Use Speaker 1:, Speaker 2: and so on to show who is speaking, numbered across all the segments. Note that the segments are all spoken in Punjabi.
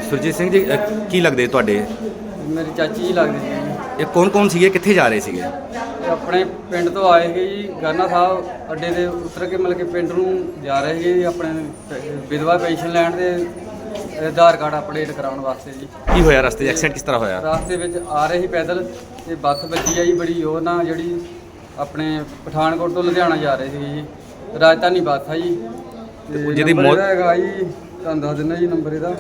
Speaker 1: ਸੁਰਜੀਤ ਸਿੰਘ ਜੀ ਕੀ ਲੱਗਦੇ ਤੁਹਾਡੇ?
Speaker 2: ਮੇਰੀ ਚਾਚੀ ਜੀ ਲੱਗਦੀ ਸੀ ਜੀ।
Speaker 1: ਇਹ ਕੌਣ ਸੀਗੇ, ਕਿੱਥੇ ਜਾ ਰਹੇ ਸੀਗੇ?
Speaker 2: ਇਹ ਆਪਣੇ ਪਿੰਡ ਤੋਂ ਆਏ ਸੀਗੇ ਜੀ, ਗਾਨਾ ਸਾਹਿਬ ਅੱਡੇ ਦੇ ਉਤਰ ਕੇ ਮਤਲਬ ਕਿ ਪਿੰਡ ਨੂੰ ਜਾ ਰਹੇ ਸੀਗੇ ਜੀ, ਆਪਣੇ ਵਿਧਵਾ ਪੈਨਸ਼ਨ ਲੈਣ ਦੇ ਆਧਾਰ ਕਾਰਡ ਅਪਡੇਟ ਕਰਾਉਣ ਵਾਸਤੇ ਜੀ।
Speaker 1: ਕੀ ਹੋਇਆ ਰਸਤੇ 'ਚ? ਐਕਸੀਡੈਂਟ ਕਿਸ ਤਰ੍ਹਾਂ ਹੋਇਆ?
Speaker 2: ਰਾਸਤੇ ਵਿੱਚ ਆ ਰਹੇ ਸੀ ਪੈਦਲ ਤੇ ਬੱਸ ਵੱਜੀ ਆ ਜੀ ਬੜੀ ਜ਼ੋਰ ਨਾਲ, ਜਿਹੜੀ ਆਪਣੇ ਪਠਾਨਕੋਟ ਤੋਂ ਲੁਧਿਆਣਾ ਜਾ ਰਹੇ ਸੀਗੇ ਜੀ। ਰਾਜਧਾਨੀ ਬੱਸ ਆ ਜੀ। ਤੇ
Speaker 1: ਜਿਹਦੀ
Speaker 2: ਨੰਬਰ
Speaker 1: ਮੌਤ
Speaker 2: ਇਹਦਾ ਹੈਗਾ ਜੀ, ਤੁਹਾਨੂੰ ਦੱਸ ਦਿੰਦਾ ਜੀ ਨੰਬਰ ਇਹਦਾ।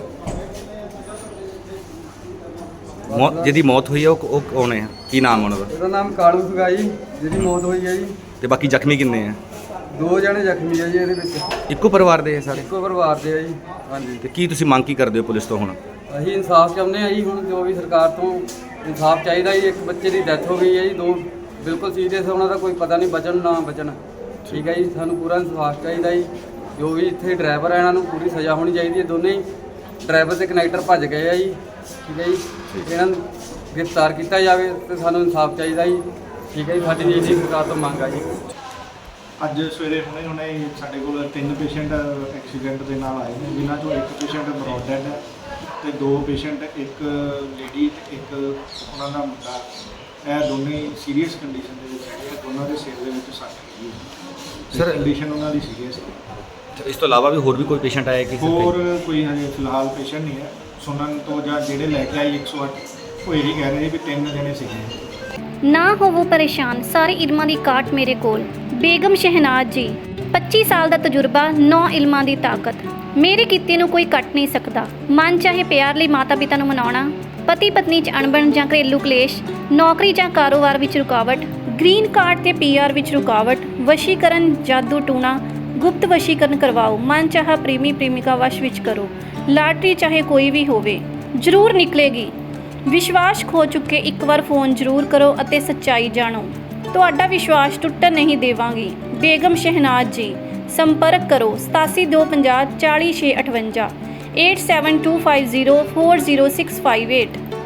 Speaker 1: ਜਿਹਦੀ ਮੌਤ ਹੋਈ ਹੈ ਉਹ ਕੌਣ ਹੈ? ਕੀ ਨਾਮ ਉਹਨਾਂ ਦਾ?
Speaker 2: ਇਹਦਾ ਨਾਮ ਕਾਲੂ ਸੀਗਾ ਜੀ, ਜਿਹਦੀ ਮੌਤ ਹੋਈ ਹੈ ਜੀ।
Speaker 1: ਤੇ ਬਾਕੀ ਜ਼ਖਮੀ ਕਿੰਨੇ ਆ?
Speaker 2: 2 ਜਣੇ ਜ਼ਖਮੀ ਆ ਜੀ ਇਹਦੇ ਵਿੱਚ।
Speaker 1: ਇੱਕੋ ਪਰਿਵਾਰ ਦੇ ਹੈ ਸਾਰੇ?
Speaker 2: ਇੱਕੋ ਪਰਿਵਾਰ ਦੇ ਆ ਜੀ। ਹਾਂਜੀ।
Speaker 1: ਤੇ ਕੀ ਤੁਸੀਂ ਮੰਗ ਕੀ ਕਰਦੇ ਹੋ ਪੁਲਿਸ ਤੋਂ ਹੁਣ?
Speaker 2: ਅਸੀਂ ਇਨਸਾਫ ਚਾਹੁੰਦੇ ਆ ਜੀ, ਹੁਣ ਜੋ ਵੀ ਸਰਕਾਰ ਤੋਂ ਇਨਸਾਫ ਚਾਹੀਦਾ ਜੀ। ਇੱਕ ਬੱਚੇ ਦੀ ਡੈਥ ਹੋ ਗਈ ਹੈ ਜੀ, 2 ਬਿਲਕੁਲ ਸੀਰੀਅਸ, ਉਹਨਾਂ ਦਾ ਕੋਈ ਪਤਾ ਨਹੀਂ ਬਚਣ ਨਾ ਬਚਣ। ਠੀਕ ਹੈ ਜੀ, ਸਾਨੂੰ ਪੂਰਾ ਇਨਸਾਫ ਚਾਹੀਦਾ ਜੀ। ਜੋ ਵੀ ਇੱਥੇ ਡਰਾਈਵਰ ਆ ਇਹਨਾਂ ਨੂੰ ਪੂਰੀ ਸਜ਼ਾ ਹੋਣੀ ਚਾਹੀਦੀ ਹੈ। ਦੋਨੇ ਹੀ ਡਰਾਈਵਰ ਤੇ ਕਨੈਕਟਰ ਭੱਜ ਗਏ ਆ ਜੀ। ਠੀਕ ਹੈ ਜੀ, ਇਹਨਾਂ ਨੂੰ ਗ੍ਰਿਫਤਾਰ ਕੀਤਾ ਜਾਵੇ ਤੇ ਸਾਨੂੰ ਇਨਸਾਫ ਚਾਹੀਦਾ ਜੀ। ਠੀਕ ਹੈ ਜੀ, ਸਾਡੀ ਜੀ ਸਰਕਾਰ ਤੋਂ ਮੰਗ ਆ ਜੀ।
Speaker 3: ਅੱਜ ਸਵੇਰੇ ਹੁਣੇ ਸਾਡੇ ਕੋਲ 3 ਪੇਸ਼ੈਂਟ ਐਕਸੀਡੈਂਟ ਦੇ ਨਾਲ ਆਏ ਨੇ, ਜਿਨ੍ਹਾਂ ਚੋਂ 1 ਪੇਸ਼ੈਂਟ ਬਰੋਡ ਡੈਡ ਹੈ ਤੇ 2 ਪੇਸ਼ੈਂਟ, ਇੱਕ ਲੇਡੀ ਤੇ ਇੱਕ ਉਹਨਾਂ ਦਾ ਮੁੰਡਾ। ਇਹ ਦੋਨੇ ਸੀਰੀਅਸ ਕੰਡੀਸ਼ਨ ਦੇ ਵਿੱਚ ਹੈਗੇ। ਦੋਨਾਂ ਦੇ ਸਿਰ ਦੇ ਵਿੱਚ ਸੱਟ ਲੱਗੀ ਹੈ।
Speaker 1: ਸਰ
Speaker 3: ਕੰਡੀਸ਼ਨ ਉਹਨਾਂ ਦੀ ਸੀਰੀਅਸ ਹੈ।
Speaker 1: ਇਸ ਤੋਂ ਇਲਾਵਾ ਵੀ ਹੋਰ ਵੀ ਕੋਈ ਪੇਸ਼ੈਂਟ ਆਇਆ ਕਿ?
Speaker 3: ਹੋਰ ਕੋਈ ਹਜੇ ਫਿਲਹਾਲ ਪੇਸ਼ੈਂਟ ਨਹੀਂ ਹੈ। ਸੁਣਨ ਤੋਂ ਜਾਂ ਜਿਹੜੇ ਲੈ ਕੇ ਆਏ 108 ਉਹ ਇਹੀ ਕਹਿ ਰਹੇ ਵੀ 3 ਜਣੇ ਸੀਗੇ।
Speaker 4: ਨਾ ਹੋਵੋ ਪਰੇਸ਼ਾਨ, ਸਾਰੇ ਇਲਮਾਂ ਦੀ ਕਾਟ ਮੇਰੇ ਕੋਲ। ਬੇਗਮ ਸ਼ਹਿਨਾਜ਼ ਜੀ, 25 ਸਾਲ ਦਾ ਤਜਰਬਾ, 9 ਇਲਮਾਂ ਦੀ ਤਾਕਤ। ਮੇਰੇ ਕੀਤੇ ਨੂੰ ਕੋਈ ਕੱਟ ਨਹੀਂ ਸਕਦਾ। ਮਨ ਚਾਹੇ ਪਿਆਰ ਲਈ ਮਾਤਾ ਪਿਤਾ ਨੂੰ ਮਨਾਉਣਾ, ਪਤੀ ਪਤਨੀ 'ਚ ਅਣਬਣ ਜਾਂ ਘਰੇਲੂ ਕਲੇਸ਼, ਨੌਕਰੀ ਜਾਂ ਕਾਰੋਬਾਰ ਵਿੱਚ ਰੁਕਾਵਟ, ਗ੍ਰੀਨ ਕਾਰਡ ਤੇ PR ਵਿੱਚ ਰੁਕਾਵਟ, ਵਸ਼ੀਕਰਨ, ਜਾਦੂ ਟੂਣਾ, ਗੁਪਤ ਵਸ਼ੀਕਰਨ ਕਰਵਾਓ, ਮਨ ਚਾਹਾ ਪ੍ਰੇਮੀ ਪ੍ਰੇਮਿਕਾ ਵਸ਼ ਵਿੱਚ ਕਰੋ। ਲਾਟਰੀ ਚਾਹੇ ਕੋਈ ਵੀ ਹੋਵੇ ਜ਼ਰੂਰ ਨਿਕਲੇਗੀ। ਵਿਸ਼ਵਾਸ ਖੋ ਚੁੱਕੇ ਇੱਕ ਵਾਰ ਫੋਨ ਜ਼ਰੂਰ ਕਰੋ ਅਤੇ ਸੱਚਾਈ ਜਾਣੋ। ਤੁਹਾਡਾ ਵਿਸ਼ਵਾਸ ਟੁੱਟਣ ਨਹੀਂ ਦੇਵਾਂਗੀ। ਬੇਗਮ ਸ਼ਹਿਨਾਜ਼ ਜੀ, ਸੰਪਰਕ ਕਰੋ 8725040658 8725040658।